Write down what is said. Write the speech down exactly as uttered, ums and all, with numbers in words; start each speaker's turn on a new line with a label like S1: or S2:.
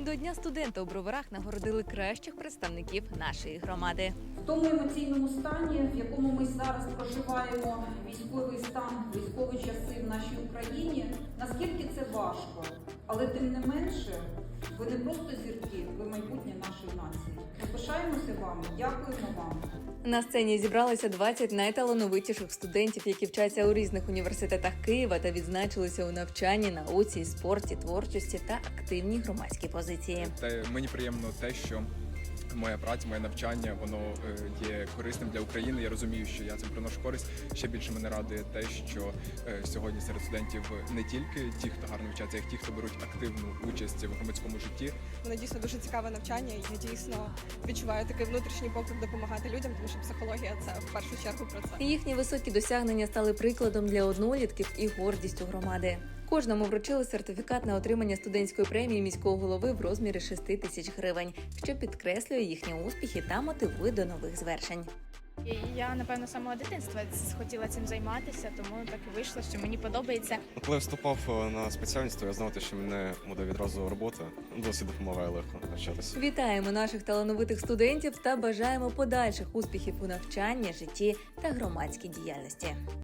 S1: До Дня студента у Броварах нагородили кращих представників нашої громади.
S2: В тому емоційному стані, в якому ми зараз проживаємо військовий стан, військові часи в нашій Україні, наскільки це важко, але тим не менше, ви не просто зірки, ви майбутнє нашої нації. Ми пишаємося вами, дякуємо вам.
S1: На сцені зібралися двадцять найталановитіших студентів, які вчаться у різних університетах Києва та відзначилися у навчанні, науці, спорті, творчості та активній громадській позиції.
S3: Та мені приємно те, що моя праця, моє навчання, воно е, є корисним для України. Я розумію, що я цим приношу користь. Ще більше мене радує те, що е, сьогодні серед студентів не тільки ті, хто гарно вчаться, а й ті, хто беруть активну участь в громадському житті.
S4: Воно дійсно дуже цікаве навчання, і я дійсно відчуваю такий внутрішній поклик допомагати людям, тому що психологія – це в першу чергу про це.
S1: Їхні високі досягнення стали прикладом для однолітків і гордістю громади. Кожному вручили сертифікат на отримання студентської премії міського голови в розмірі шести тисяч гривень, що підкреслює їхні успіхи та мотивує до нових звершень.
S5: І Я, напевно, з самого дитинства хотіла цим займатися, тому так і вийшло, що мені подобається.
S6: Коли вступав на спеціальність, то я знав, що мене буде відразу робота. Досить допомагає легко навчатися.
S1: Вітаємо наших талановитих студентів та бажаємо подальших успіхів у навчанні, житті та громадській діяльності.